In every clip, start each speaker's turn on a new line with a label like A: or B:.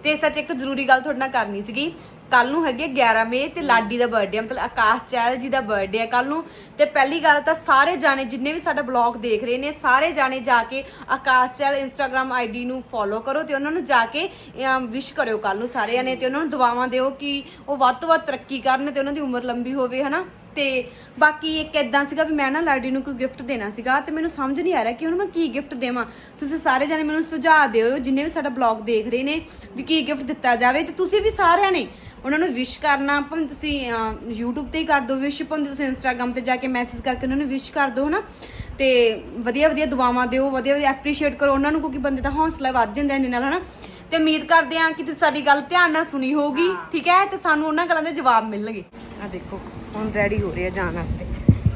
A: ਤੇ ਸੱਚ ਇੱਕ ਜ਼ਰੂਰੀ ਗੱਲ ਤੁਹਾਡੇ ਨਾਲ ਕਰਨੀ ਸੀਗੀ। ਕੱਲ ਨੂੰ ਹੈਗੇ 11 ਮਈ ਤੇ ਲਾਡੀ ਦਾ ਬਰਥਡੇ, ਮਤਲਬ ਆਕਾਸ਼ ਚਹਿਲ ਜੀ ਦਾ ਬਰਥਡੇ ਹੈ ਕੱਲ ਨੂੰ। ਤੇ ਪਹਿਲੀ ਗੱਲ ਤਾਂ ਸਾਰੇ ਜਾਣੇ ਜਿੰਨੇ ਵੀ ਸਾਡਾ ਬਲੌਗ ਦੇਖ ਰਹੇ ਨੇ, ਸਾਰੇ ਜਾਣੇ ਜਾ ਕੇ ਆਕਾਸ਼ ਚਹਿਲ ਇੰਸਟਾਗ੍ਰਾਮ ਆਈਡੀ ਨੂੰ ਫੋਲੋ ਕਰੋ ਤੇ ਉਹਨਾਂ ਨੂੰ ਜਾ ਕੇ ਵਿਸ਼ ਕਰਿਓ ਕੱਲ ਨੂੰ ਸਾਰਿਆਂ ਨੇ, ਤੇ ਉਹਨਾਂ ਨੂੰ ਦੁਆਵਾਂ ਦਿਓ ਕਿ ਉਹ ਵੱਧ ਤੋਂ ਵੱਧ ਤਰੱਕੀ ਕਰਨ ਤੇ ਉਹਨਾਂ ਦੀ ਉਮਰ ਲੰਬੀ ਹੋਵੇ, ਹਨਾ। ਤੇ ਬਾਕੀ ਇੱਕ ਇਦਾਂ ਸੀਗਾ ਵੀ ਮੈਂ ਨਾ ਲਾਡੀ ਨੂੰ ਕੋਈ ਗਿਫਟ ਦੇਣਾ ਸੀਗਾ ਤੇ ਮੈਨੂੰ ਸਮਝ ਨਹੀਂ ਆ ਰਿਹਾ ਕਿ ਉਹਨੂੰ ਮੈਂ ਕੀ ਗਿਫਟ ਦੇਵਾਂ। ਤੁਸੀਂ ਸਾਰੇ ਜਾਣੇ ਮੈਨੂੰ ਸੁਝਾਅ ਦਿਓ ਜਿੰਨੇ ਵੀ ਸਾਡਾ ਬਲੌਗ ਦੇਖ ਰਹੇ ਨੇ ਵੀ ਕੀ ਗਿਫਟ ਦਿੱਤਾ ਜਾਵੇ। ਤੇ ਤੁਸੀਂ ਵੀ ਸਾਰਿਆਂ ਨੇ ਉਹਨਾਂ ਨੂੰ ਵਿਸ਼ ਕਰਨਾ, ਭਾਵੇਂ ਤੁਸੀਂ YouTube ਤੇ ਹੀ ਕਰ ਦਿਓ ਵਿਸ਼, ਭਾਵੇਂ ਤੁਸੀਂ Instagram ਤੇ ਜਾ ਕੇ ਮੈਸੇਜ ਕਰਕੇ ਉਹਨਾਂ ਨੂੰ ਵਿਸ਼ ਕਰ ਦਿਓ, ਹਨਾ। ਤੇ ਵਧੀਆ ਵਧੀਆ ਦੁਆਵਾਂ ਦਿਓ, ਵਧੀਆ ਵਧੀਆ ਐਪਰੀਸ਼ੀਏਟ ਕਰੋ ਉਹਨਾਂ ਨੂੰ, ਕਿਉਂਕਿ ਬੰਦੇ ਦਾ ਹੌਸਲਾ ਵੱਧ ਜਾਂਦਾ ਇਹਦੇ ਨਾਲ, ਹਨਾ। ਤੇ ਉਮੀਦ ਕਰਦੇ ਹਾਂ ਕਿ ਤੁਸੀਂ ਸਾਡੀ ਗੱਲ ਧਿਆਨ ਨਾਲ ਸੁਣੀ ਹੋਊਗੀ, ਠੀਕ ਹੈ, ਤੇ ਸਾਨੂੰ ਉਹਨਾਂ ਗੱਲਾਂ ਦੇ ਜਵਾਬ ਮਿਲਣਗੇ। ਆ ਦੇਖੋ ਹੁਣ ਰੈਡੀ ਹੋ ਰਹੇ ਆ ਜਾਣ ਵਾਸਤੇ।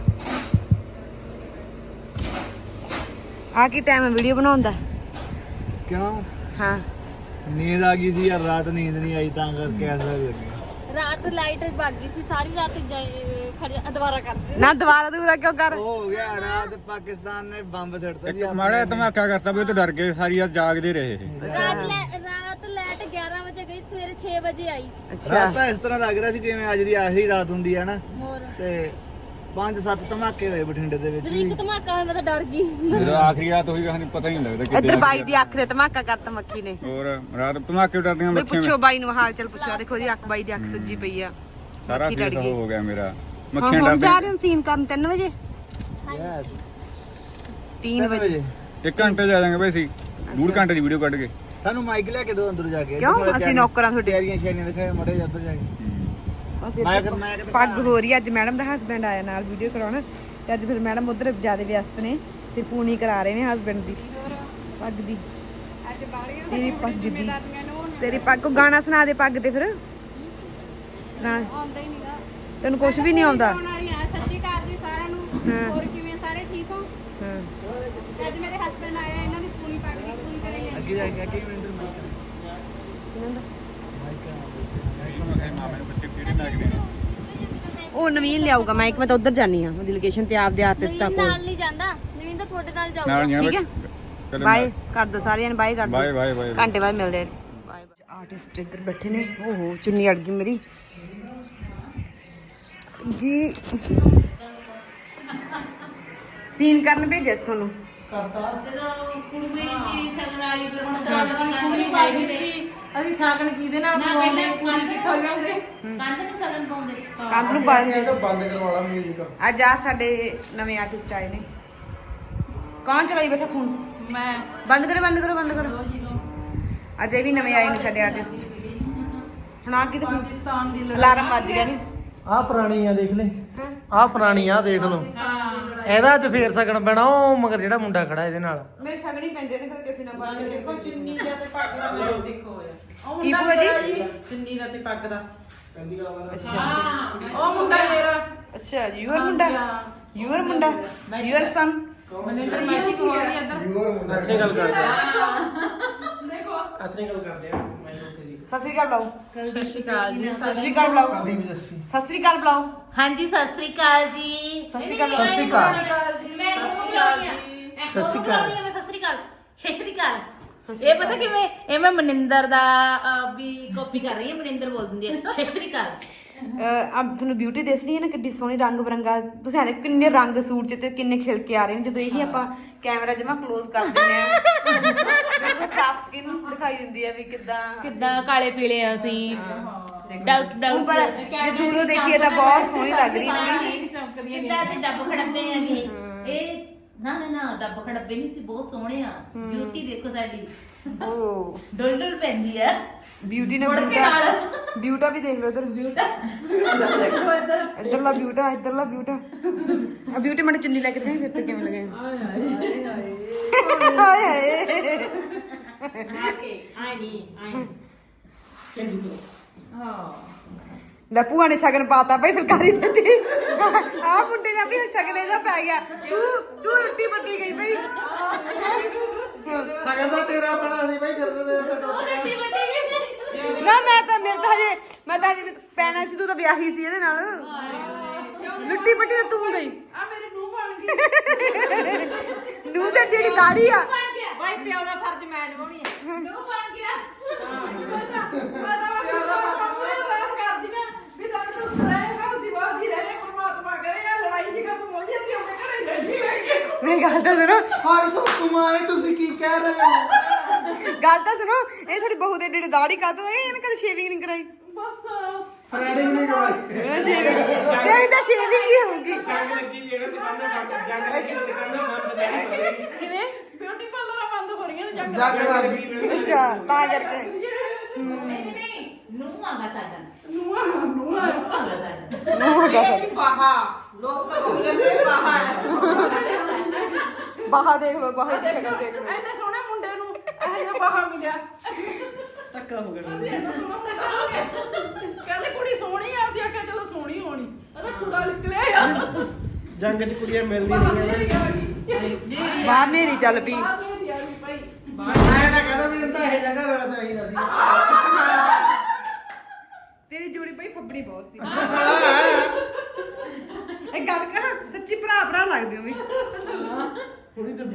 A: ਆ ਕੀ ਟਾਈਮ ਹੈ ਵੀਡੀਓ ਬਣਾਉਣ ਦਾ?
B: ਕਿਉਂ?
A: ਹਾਂ
B: ਨੀਂਦ ਆ ਗਈ ਸੀ ਯਾਰ, ਰਾਤ ਨੀਂਦ ਨਹੀਂ ਆਈ ਤਾਂ ਕਰਕੇ ਐਸਾ ਲੱਗਿਆ।
C: ਰਾਤ ਲਾਈਟ ਭੱਗ ਗਈ ਸੀ ਸਾਰੀ ਰਾਤ, ਦੁਬਾਰਾ ਕਰ ਦੇ
A: ਨਾ ਦੁਬਾਰਾ ਕਿਉਂ ਕਰ?
B: ਹੋ ਗਿਆ ਰਾਤ ਪਾਕਿਸਤਾਨ ਨੇ ਬੰਬ ਸਿੱਟਤਾ ਸੀ।
D: ਮਾੜਾ ਧਮਾਕਾ ਕਰਤਾ ਵੀ ਉਹ ਤੇ ਡਰ ਗਏ, ਸਾਰੀ ਰਾਤ ਜਾਗਦੇ ਰਹੇ।
C: ਰਾਤ ਲਾਈਟ 11 ਵਜੇ ਗਈ, ਸਵੇਰੇ 6 ਵਜੇ ਆਈ।
B: ਰਾਤ ਤਾਂ ਇਸ ਤਰ੍ਹਾਂ ਲੱਗ ਰਿਹਾ ਸੀ ਜਿਵੇਂ ਅੱਜ ਦੀ ਆਖਰੀ ਰਾਤ ਹੁੰਦੀ ਹੈ ਨਾ।
C: ਹੋਰ
B: ਤੇ 5-7 ਧਮਾਕੇ ਹੋਏ ਬਠਿੰਡੇ ਦੇ ਵਿੱਚ।
C: ਇੱਕ ਧਮਾਕਾ ਹੋਇਆ ਮੈਂ ਤਾਂ ਡਰ ਗਈ।
D: ਜਦੋਂ ਆਖਰੀ ਰਾਤ ਹੋਈ ਕਹਾਣੀ ਪਤਾ ਹੀ ਨਹੀਂ ਲੱਗਦਾ
A: ਇੱਧਰ ਬਾਈ ਦੀ ਅੱਖ ਤੇ ਧਮਾਕਾ ਕਰਤਾ ਮੱਖੀ ਨੇ।
D: ਹੋਰ ਰਾਤ ਧਮਾਕੇ ਡਰਦੀਆਂ
A: ਬਈ
D: ਮੱਖੀਆਂ।
A: ਪੁੱਛੋ ਬਾਈ ਨੂੰ ਹਾਲ ਚਾਲ ਪੁੱਛੋ, ਦੇਖੋ ਜੀ ਅੱਖ ਬਾਈ ਦੀ ਅੱਖ ਸੁੱਜੀ ਪਈ ਆ,
D: ਸਾਰਾ
A: ਮੱਖੀ ਲੜ
D: ਫੇਸ
A: ਗਈ।
D: ਹੋ ਗਿਆ ਮੇਰਾ,
A: ਹੁਣ
D: ਮੱਖੀਆਂ
A: ਜਾ
D: ਡਰਦੀਆਂ।
A: ਰਹੇ ਹਾਂ ਸੀਨ ਕਰਨ 3 ਵਜੇ
B: ਯੈਸ
A: 3 ਵਜੇ
D: 1 ਘੰਟੇ ਜਾ ਜਾਾਂਗੇ ਬਈ ਅਸੀਂ, 2 ਘੰਟੇ ਦੀ ਵੀਡੀਓ ਕੱਢ ਕੇ।
B: ਸਾਨੂੰ ਮਾਈਕ ਲੈ ਕੇ ਦੋ ਅੰਦਰ ਜਾ ਕੇ।
A: ਕਿਉਂ? ਅਸੀਂ ਨੌਕਰਾਂ ਤੁਹਾਡੇ।
B: ਤਿਆਰੀਆਂ ਸ਼ਿਆਰੀਆਂ ਦਿਖਾਏ ਮੜੇ ਉੱਧਰ ਜਾ ਕੇ।
A: ਪੱਗ ਹੋ ਰਹੀ ਅੱਜ, ਮੈਡਮ ਦਾ ਹਸਬੈਂਡ ਆਇਆ ਨਾਲ ਵੀਡੀਓ ਕਰਾਉਣ, ਤੇ ਅੱਜ ਫਿਰ ਮੈਡਮ ਉਧਰ ਜ਼ਿਆਦਾ ਵਿਅਸਤ ਨੇ ਤੇ ਪੂਣੀ ਕਰਾ ਰਹੇ ਨੇ ਹਸਬੈਂਡ ਦੀ ਪੱਗ ਦੀ। ਤੇਰੀ ਪੱਗ ਦੀ, ਤੇਰੀ ਪੱਗ ਕੋ ਗਾਣਾ ਸੁਣਾ ਦੇ ਪੱਗ ਤੇ, ਫਿਰ ਸੁਣਾ।
C: ਆਉਂਦਾ ਹੀ ਨਹੀਂਗਾ
A: ਤੈਨੂੰ ਕੁਝ ਵੀ ਨਹੀਂ ਆਉਂਦਾ?
C: ਸਤਿ ਸ਼੍ਰੀ ਅਕਾਲ ਜੀ ਸਾਰਿਆਂ ਨੂੰ, ਹੋਰ ਕਿਵੇਂ ਸਾਰੇ ਠੀਕ ਹੋ?
A: ਹਾਂ
C: ਅੱਜ ਮੇਰੇ ਹਸਬੰਡ ਆਏ ਆ, ਇਹਨਾਂ ਦੀ ਪੂਰੀ ਪੱਗ ਦੀ ਪੂਰੀ ਕਰਾਂਗੇ।
B: ਅੱਗੇ ਜਾ ਕੇ ਅੱਗੇ ਮੈਨੂੰ ਮਾਈਕ
A: ਉਹ ਨਵੀਨ ਲਿਆਊਗਾ ਮਾਈਕ, ਮੈਂ ਤਾਂ ਉਧਰ ਜਾਨੀ ਆ ਉਹਦੀ ਲੋਕੇਸ਼ਨ ਤੇ, ਆਪਦੇ ਆਰਟਿਸਟਾਂ ਕੋਲ।
C: ਨਾਲ ਨਹੀਂ ਜਾਂਦਾ ਨਵੀਨ, ਤਾਂ ਤੁਹਾਡੇ ਨਾਲ ਜਾਊਗਾ।
D: ਨਾਲ ਨਹੀਂ
A: ਠੀਕ ਹੈ, ਬਾਏ ਕਰ ਦੋ ਸਾਰਿਆਂ ਨੇ, ਬਾਏ ਕਰ ਦੋ।
D: Bye bye bye.
A: ਘੰਟੇ ਬਾਅਦ ਮਿਲਦੇ ਆ। Bye bye. ਆਰਟਿਸਟ ਇੱਧਰ ਬੈਠੇ ਨੇ। ਓਹੋ ਚੁੰਨੀ ਅੜ ਗਈ ਮੇਰੀ ਜੀ। ਸੀਨ ਕਰਨ ਭੇਜਿਆ ਸੀ ਤੁਹਾਨੂੰ।
C: ਜਦੋਂ ਕੁੜੀ ਸੀ ਸਗਣ ਵਾਲੀ, ਫਿਰ ਹੁਣ ਸਾਗਣ ਸੀ, ਅਸੀਂ ਸਾਗਣ ਕਿਹਦੇ ਨਾਲ ਪਾਉਂਦੇ, ਕੁੜੀ ਕਿੱਥੋਂ ਲਿਆਉਂਦੇ? ਕੰਧ ਨੂੰ ਸਗਣ ਪਾਉਂਦੇ,
A: ਕੰਧ ਨੂੰ
B: ਬੰਦ ਕਰਵਾ ਲਾ ਮਿਊਜ਼ਿਕ।
A: ਅੱਜ ਆ ਸਾਡੇ ਨਵੇਂ ਆਰਟਿਸਟ ਆਏ ਨੇ। ਕੌਣ ਚਲਾਈ ਬੈਠਾ ਫੋਨ?
C: ਮੈਂ
A: ਬੰਦ ਕਰੋ ਬੰਦ ਕਰੋ ਬੰਦ ਕਰੋ। ਅੱਜ ਇਹ ਵੀ ਨਵੇਂ ਆਏ ਨੇ ਸਾਡੇ ਆਰਟਿਸਟ। ਹੁਣ ਆ ਕੀ
C: ਪਾਕਿਸਤਾਨ ਦੀ
A: ਅਲਾਰਮ ਵੱਜ ਗਿਆ ਨੇ।
B: ਆਹ ਪੁਰਾਣੀ ਆ ਦੇਖ ਲੈ, ਆਹ ਪੁਰਾਣੀ ਆ ਦੇਖ ਲਓ। ਇਹਦਾ ਅੱਜ ਫੇਰ ਸਕਣ ਪੈਣਾ। ਉਹ ਮਗਰ ਜਿਹੜਾ ਮੁੰਡਾ ਖੜਾ ਇਹਦੇ ਨਾਲ,
A: ਮੇਰੇ ਸ਼ਗਣੀ ਪੈਂਦੇ ਨੇ, ਫਿਰ ਕਿਸੇ ਨਾਲ ਬਾਤ ਦੇਖੋ।
E: ਚੁੰਨੀ ਦਾ ਤੇ ਪੱਗ ਦਾ ਮੇਲ ਦੇਖੋ ਹੋਇਆ।
A: ਕੀ ਭੂਆ ਜੀ?
E: ਚੁੰਨੀ ਦਾ ਤੇ ਪੱਗ ਦਾ।
A: ਅੱਛਾ
C: ਉਹ ਮੁੰਡਾ ਮੇਰਾ
A: ਅੱਛਾ, ਯੂਅਰ ਮੁੰਡਾ, ਯੂਅਰ ਮੁੰਡਾ, ਯੂਅਰ ਸਨ।
C: ਮਨਿੰਦਰ ਮੈਜਿਕ ਹੋ ਰਹੀ ਇੱਧਰ।
B: ਅੱਛੇ ਗੱਲ ਕਰਦੇ ਆ,
C: ਦੇਖੋ
B: ਅੱਛੇ ਗੱਲ ਕਰਦੇ ਆ। ਮੈਂ ਲੋਕੇ ਦੀ
A: ਸਤਿ ਸ੍ਰੀ ਅਕਾਲ ਬੁਲਾਓ।
C: ਸਤਿ ਸ਼੍ਰੀ ਅਕਾਲ ਜੀ।
A: ਸਤਿ ਸ੍ਰੀ ਅਕਾਲ ਬੁਲਾਓ।
B: ਕਦੀ ਵੀ ਦੱਸੀ।
A: ਸਤਿ ਸ੍ਰੀ ਅਕਾਲ ਬੁਲਾਓ।
C: ਹਾਂਜੀ ਸਤਿ ਸ਼੍ਰੀ ਅਕਾਲ ਜੀ।
A: ਸਤਿ ਸ੍ਰੀ ਅਕਾਲ।
B: ਸਤਿ ਸ਼੍ਰੀ ਅਕਾਲ।
C: ਮੈਂ ਸਤਿ ਸ਼੍ਰੀ ਅਕਾਲ।
B: ਸਤਿ ਸ਼੍ਰੀ ਅਕਾਲ।
C: ਸਤਿ ਸ਼੍ਰੀ ਅਕਾਲ। ਸਤਿ ਸ਼੍ਰੀ ਅਕਾਲ। ਇਹ ਪਤਾ ਕਿਵੇਂ, ਇਹ ਮੈਂ ਮਨਿੰਦਰ ਦਾ ਵੀ ਕਾਪੀ ਕਰ ਰਹੀ ਹਾਂ, ਮਨਿੰਦਰ ਬੋਲ ਦਿੰਦੀ ਹੈ ਸਤਿ ਸ਼੍ਰੀ ਅਕਾਲ।
A: ਅਬ ਤੁਹਾਨੂੰ ਬਿਊਟੀ ਦਿਸ ਰਹੀ ਹੈ ਨਾ, ਕਿੱਡੀ ਸੋਹਣੀ ਰੰਗ ਬਰੰਗਾ। ਤੁਸੀਂ ਆਦੇ ਕਿੰਨੇ ਰੰਗ ਸੂਟ 'ਚ ਤੇ ਕਿੰਨੇ ਖਿਲ ਕੇ ਆ ਰਹੇ ਨੇ ਜਦੋਂ ਇਹੀ ਆਪਾਂ ਕੈਮਰਾ ਜਮਾ ਕਲੋਜ਼ ਕਰ ਦਿੰਦੇ ਆ। ਬਿਲਕੁਲ ਸਾਫ਼ ਸਕਿਨ ਦਿਖਾਈ ਦਿੰਦੀ ਹੈ ਵੀ
C: ਕਿੱਦਾਂ ਕਾਲੇ ਪੀਲੇ ਆ ਅਸੀਂ। ਡਾਊਟ
A: ਪਰ ਜੇ ਦੂਰੋਂ ਦੇਖੀਏ ਤਾਂ ਬਹੁਤ ਸੋਹਣੀ ਲੱਗ ਰਹੀ ਹੈ।
C: ਕਿੱਦਾਂ ਤੇ ਡੱਬ ਖੜੱਬੇ ਹੈਗੇ ਇਹ। ਨਾ ਡੱਬ ਖੜੱਬੇ ਨਹੀਂ ਸੀ, ਬਹੁਤ ਸੋਹਣੇ ਆ। ਬਿਊਟੀ ਦੇਖੋ ਸਾਡੀ,
A: ਓ
C: ਡੁੱਲ ਪੈਂਦੀ ਆ
A: ਬਿਊਟੀ ਨੇ
C: ਮੁੜ ਕੇ ਨਾਲ।
A: ਬਿਊਟਾ ਵੀ ਦੇਖ ਲਓ ਇਧਰ।
C: ਬਿਊਟਾ ਦੇਖੋ ਇੱਧਰ।
A: ਇੱਧਰਲਾ ਬਿਊਟਾ, ਇੱਧਰਲਾ ਬਿਊਟਾ। ਆ ਬਿਊਟੀ ਮੈਨੂੰ ਚੁੰਨੀ ਲੈ ਕੇ ਦੇ, ਫਿਰ ਤੇ ਕਿਵੇਂ ਲੱਗੇ? ਹਾਏ ਹਾਏ
E: ਆਈ ਨਹੀਂ ਆਈ ਚੰਗੀ ਤੋਂ। ਹਾਂ
A: ਲੈ ਭੂਆ ਨੇ ਸ਼ਗਨ ਪਾਤਾ ਭਾਈ, ਫੁਲਕਾਰੀ ਦਿੱਤੀ। ਆ ਮੁੰਡੇ ਨੇ ਵੀ ਸ਼ਗਨ ਇਹਦਾ ਪੈ ਗਿਆ। ਤੂੰ ਰੋਟੀ ਪੱਟੀ ਗਈ ਭਾਈ।
B: ਸਗਨ ਦਾ ਤੇਰਾ ਬਣਾ ਸੀ ਬਾਈ, ਫਿਰਦੇ ਦੇ
C: ਰੱਟੀ ਵੱਟੀ ਗਈ
A: ਨਾ ਮੈਂ ਤਾਂ ਮੈਂ ਤਾਂ ਹਜੇ ਪੈਣਾ ਸੀ, ਤੂੰ ਤਾਂ ਵਿਆਹੀ ਸੀ ਇਹਦੇ ਨਾਲ। ਲੁੱਟੀ ਪੱਟੀ ਤਾਂ ਤੂੰ ਗਈ।
C: ਆ ਮੇਰੀ ਨੂੰਹ ਬਣ ਗਈ।
A: ਨੂੰਹ ਤੇ ਜਿਹੜੀ ਦਾੜੀ ਆ।
E: ਬਾਈ ਪਿਓ ਦਾ ਫਰਜ਼ ਮੈਂ ਨਿਭਾਉਣੀ ਆ।
C: ਨੂੰਹ ਬਣ ਗਿਆ।
B: ਹਾਏ ਸੋ ਤੁਮਾਏ ਤੁਸੀਂ ਕੀ ਕਹਿ ਰਹੇ ਹੋ?
A: ਗੱਲ ਤਾਂ ਸੁਣੋ, ਇਹ ਥੋੜੀ ਬਹੂ ਦੇ ਜਿਹੜੇ ਦਾੜੀ ਕਾਤੋਂ ਇਹਨੇ ਕਦੇ ਸ਼ੇਵਿੰਗ ਨਹੀਂ ਕਰਾਈ।
B: ਫਰੈਂਡਿੰਗ ਨਹੀਂ ਕਰਵਾਈ।
A: ਇਹ ਸ਼ੇਵਿੰਗ ਤਾਂ ਸ਼ੇਵਿੰਗ ਹੀ ਹੋਊਗੀ।
E: ਜੰਗ ਲੱਗੀ ਵੀ ਇਹਨਾਂ ਦੁਕਾਨਾਂ ਬੰਦ, ਜੰਗ ਲੱਗੀ ਵੀ ਦੁਕਾਨਾਂ ਬੰਦ ਦੇਣੀ
A: ਕਿਵੇਂ?
F: ਬਿਊਟੀ ਪਾਰਲਰਾਂ ਬੰਦ ਹੋ ਰਹੀਆਂ ਨੇ ਜੰਗ
B: ਜੱਗ ਲੱਗੀ।
A: ਅੱਛਾ, ਤਾਂ ਕਰਕੇ
C: ਨਹੀਂ ਨੂੰ ਆਗਾ ਸਾਡਾ
F: ਨੂਆ
C: ਨੂੰ ਆਗਾ ਸਾਡਾ
A: ਨੂੰ ਹੈਗਾ ਸਾਡਾ।
F: ਬਾਹਾ ਲੋਕ ਤਾਂ ਬੋਲਦੇ ਨੇ ਬਾਹਾ ਹੈ
A: ਬਾਹਾ ਦੇਖ ਲਓ, ਬਾਹਾ ਦੀ ਸ਼ਕਲ ਦੇਖ ਲਓ।
F: ਐਨੇ ਸੋਹਣੇ ਮੁੰਡੇ ਨੂੰ ਇਹੋ ਜਿਹਾ ਬਾਹਾ ਮਿਲਿਆ।
E: ਧੱਕਾ ਹੋ ਗਿਆ।
F: ਅਸੀਂ ਇੰਨਾ ਸੋਹਣਾ ਮੁੰਡਾ ਹੋ ਗਿਆ। ਕਹਿੰਦੇ ਕੁੜੀ ਸੋਹਣੀ ਆ, ਅਸੀਂ ਆਖਿਆ ਚਲੋ ਸੋਹਣੀ ਹੋਣੀ, ਉਹਦਾ ਕੁੜਾ ਨਿਕਲਿਆ ਯਾਰ।
E: ਜੰਗ 'ਚ ਕੁੜੀਆਂ ਮਿਲਦੀਆਂ
F: ਬਾਹਰ
E: ਨਹੀਂ
F: ਨੇਰੀ ਆ ਗਈ।
A: ਬਾਹਰ ਨੇਰੀ ਚੱਲ ਪਈ।
F: ਬਾਹਰ ਨੇਰੀ ਆ ਗਈ ਭਾਈ।
B: ਮੈਂ ਨਾ ਕਹਿੰਦਾ ਵੀ ਤਾਂ ਇਹ ਜਗ੍ਹਾ ਵਾਲਾ ਚਾਹੀਦਾ ਸੀ।
A: ਤੇਰੀ ਜੋੜੀ ਪਈ ਫੱਬੜੀ ਬਹੁਤ ਸੀ। ਇਹ ਗੱਲ ਕਹਾਂ, ਸੱਚੀ ਭਰਾ ਭਰਾ ਲੱਗਦੇ ਹੋ ਵੀ।
E: ਥੋੜੀ ਤਾਂ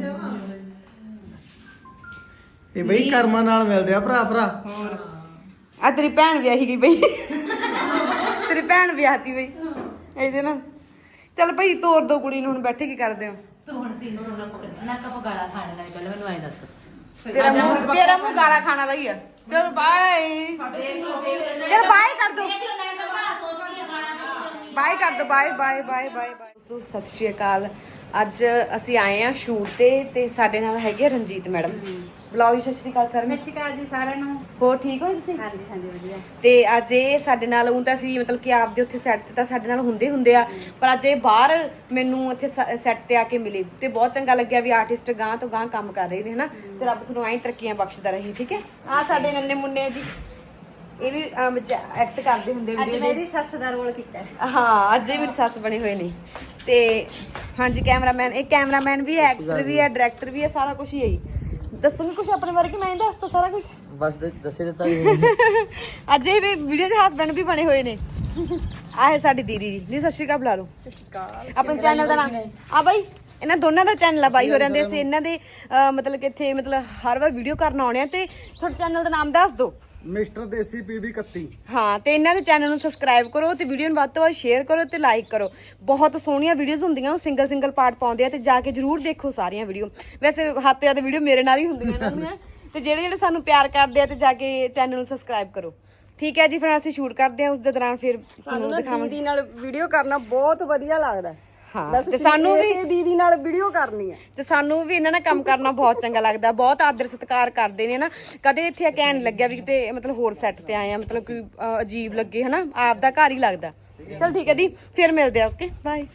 B: ਇਹ ਬਈ ਕਰਮਾਂ ਨਾਲ ਮਿਲਦੇ ਆ ਭਰਾ ਭਰਾ।
A: ਹੋਰ ਆ ਤੇਰੀ ਭੈਣ ਵਿਆਹੀ ਗਈ ਬਈ। ਤੇਰੀ ਭੈਣ ਵਿਆਹਤੀ ਬਈ ਇਹਦੇ ਨਾਲ। ਚੱਲ ਭਾਈ ਤੋਰ ਦੋ ਕੁੜੀ ਨੂੰ, ਹੁਣ ਬੈਠੇ ਕੀ ਕਰਦੇ ਹੋ?
C: ਤੂੰ ਹੁਣ ਸੀ ਨੂੰ ਨਾ ਕਪ ਗਾਲਾ ਖਾਣ ਦਾ ਪਹਿਲਾਂ ਮੈਨੂੰ ਐ ਦੱਸ।
A: ਤੇਰਾ ਮੂੰਹ ਗਾਲਾਂ ਖਾਣਾ ਦਾ ਹੀ ਆ। ਚਲ ਬਾਏ।
C: ਦੇਖ ਲੋ ਦੇਖ
A: ਚਲ ਬਾਏ ਕਰ ਦੋ।
C: ਦੇਖ ਲੋ ਨਾ ਕਪੜਾ ਸੋਚ ਲਈ ਖਾਣਾ ਦਾ
A: ਬਾਏ ਕਰ ਦੋ, bye bye bye bye bye. ਦੋਸਤੋ ਸਤਿ ਸ਼੍ਰੀ ਅਕਾਲ। ਅੱਜ ਅਸੀਂ ਆਏ ਆ ਸ਼ੂਟ ਤੇ ਸਾਡੇ ਨਾਲ ਹੈਗੇ ਰਣਜੀਤ ਮੈਡਮ। ਬੁਲਾਓ ਜੀ, ਸਤਿ ਸ਼੍ਰੀ ਅਕਾਲ ਸਰ।
C: ਸਤਿ ਸ਼੍ਰੀ ਅਕਾਲ ਜੀ ਸਾਰਿਆਂ ਨੂੰ।
A: ਹੋਰ ਠੀਕ ਹੋ ਤੁਸੀਂ?
C: ਹਾਂਜੀ ਹਾਂਜੀ ਵਧੀਆ।
A: ਤੇ ਅੱਜ ਇਹ ਸਾਡੇ ਨਾਲ ਉਹ ਤਾਂ ਅਸੀਂ ਮਤਲਬ ਕਿ ਆਪਦੇ ਉੱਥੇ ਸੈੱਟ ਤੇ ਤਾਂ ਸਾਡੇ ਨਾਲ ਹੁੰਦੇ ਆ, ਪਰ ਅੱਜ ਇਹ ਬਾਹਰ ਮੈਨੂੰ ਇੱਥੇ ਸੈੱਟ ਤੇ ਆ ਕੇ ਮਿਲੇ ਤੇ ਬਹੁਤ ਚੰਗਾ ਲੱਗਿਆ ਵੀ ਆਰਟਿਸਟ ਗਾਂ ਤੋਂ ਗਾਂ ਕੰਮ ਕਰ ਰਹੇ ਨੇ ਹਨਾ। ਤੇ ਰੱਬ ਤੁਹਾਨੂੰ ਐਂ ਤਰੱਕੀਆਂ ਬਖਸ਼ਦਾ ਰਹੇ। ਠੀਕ ਹੈ। ਆ ਸਾਡੇ ਨੰਨੇ ਮੁੰਨੇ ਜੀ, ਇਹ ਵੀ ਐਕਟ ਕਰਦੇ ਹੁੰਦੇ
C: ਅੱਜ ਮੇਰੀ ਸੱਸ ਦਾ ਰੋਲ ਕੀਤਾ ਹੈ।
A: ਹਾਂ, ਅੱਜ ਇਹ ਮੇਰੀ ਸੱਸ ਬਣੇ ਹੋਏ ਨੇ। ਤੇ ਹਾਂਜੀ, ਕੈਮਰਾਮੈਨ, ਇਹ ਕੈਮਰਾਮੈਨ ਵੀ ਹੈ, ਐਕਟਰ ਵੀ ਹੈ, ਡਾਇਰੈਕਟਰ ਵੀ ਹੈ, ਸਾਰਾ ਕੁਝ ਹੀ ਹੈ ਜੀ। ਦੱਸੋਗੇ ਕੁਝ ਆਪਣੇ ਬਾਰੇ ਕਿ ਮੈਂ ਹੀ ਦੱਸਦਾ ਸਾਰਾ ਕੁਝ?
E: ਬਸ ਦੱਸੇ ਦਿੱਤਾ
A: ਅੱਜ ਇਹ ਵੀਡੀਓ ਦੇ ਹਸਬੈਂਡ ਵੀ ਬਣੇ ਹੋਏ ਨੇ। ਆਹ ਹੈ ਸਾਡੀ ਦੀਦੀ ਜੀ। ਦੀ ਸਤਿ ਸ਼੍ਰੀ ਅਕਾਲ ਬੁਲਾ ਲਓ। ਸਤਿ ਸ਼੍ਰੀ ਅਕਾਲ। ਆਪਣੇ ਚੈਨਲ ਦਾ ਨਾਮ ਆ ਬਾਈ, ਇਹਨਾਂ ਦੋਨਾਂ ਦਾ ਚੈਨਲ ਆ ਬਾਈ ਹੋ ਰਹਿੰਦੇ। ਅਸੀਂ ਇਹਨਾਂ ਦੇ ਮਤਲਬ ਕਿ ਇੱਥੇ ਮਤਲਬ ਹਰ ਵਾਰ ਵੀਡੀਓ ਕਰਨ ਆਉਣੇ ਆ। ਤੇ ਤੁਹਾਡੇ ਚੈਨਲ ਦਾ ਨਾਮ ਦੱਸ ਦਿਓ।
B: Mister Desi PB 31।
A: ਹਾਂ, ਤੇ ਇਹਨਾਂ ਦੇ ਚੈਨਲ ਨੂੰ ਸਬਸਕ੍ਰਾਈਬ ਕਰੋ ਤੇ ਵੀਡੀਓ ਨੂੰ ਵੱਧ ਤੋਂ ਵੱਧ ਸ਼ੇਅਰ ਕਰੋ ਤੇ ਲਾਈਕ ਕਰੋ। ਬਹੁਤ ਸੋਹਣੀਆਂ ਵੀਡੀਓਜ਼ ਹੁੰਦੀਆਂ, ਉਹ ਸਿੰਗਲ ਪਾਰਟ ਪਾਉਂਦੇ ਆ ਤੇ ਜਾ ਕੇ ਜਰੂਰ ਦੇਖੋ ਸਾਰੀਆਂ ਵੀਡੀਓ। ਵੈਸੇ ਹੱਥ ਤੇ ਵੀਡੀਓ ਮੇਰੇ ਨਾਲ ਹੀ ਹੁੰਦੀਆਂ ਇਹਨਾਂ ਦੀਆਂ। ਤੇ ਜਿਹੜੇ ਸਾਨੂੰ ਪਿਆਰ ਕਰਦੇ ਆ ਤੇ ਜਾ ਕੇ ਚੈਨਲ ਨੂੰ ਸਬਸਕ੍ਰਾਈਬ ਕਰੋ। ਠੀਕ ਹੈ ਜੀ, ਫਿਰ ਅਸੀਂ ਸ਼ੂਟ ਕਰਦੇ ਆ, ਉਸ ਦੇ ਦੌਰਾਨ ਫਿਰ ਤੁਹਾਨੂੰ ਦਿਖਾਵਾਂਗੇ।
F: ਦੀਦੀ ਨਾਲ ਵੀਡੀਓ ਕਰਨਾ ਬਹੁਤ ਵਧੀਆ ਲੱਗਦਾ।
A: ਹਾਂ, ਤੇ ਸਾਨੂੰ ਵੀ
F: ਦੀਦੀ ਨਾਲ ਵੀਡੀਓ ਕਰਨੀ ਹੈ।
A: ਤੇ ਸਾਨੂੰ ਵੀ ਇਹਨਾਂ ਨਾਲ ਕੰਮ ਕਰਨਾ ਬਹੁਤ ਚੰਗਾ ਲੱਗਦਾ। ਬਹੁਤ ਆਦਰ ਸਤਿਕਾਰ ਕਰਦੇ ਨੇ ਨਾ। ਕਦੇ ਇੱਥੇ ਕਹਿਣ ਲੱਗਿਆ ਵੀ ਕਿਤੇ ਮਤਲਬ ਹੋਰ ਸੈੱਟ ਤੇ ਆਏ ਆ, ਮਤਲਬ ਕੋਈ ਅਜੀਬ ਲੱਗੇ ਹਨਾ। ਆਪ ਦਾ ਘਰ ਹੀ ਲੱਗਦਾ। ਚਲ ਠੀਕ ਹੈ ਦੀ, ਫਿਰ ਮਿਲਦੇ ਆ। Okay bye.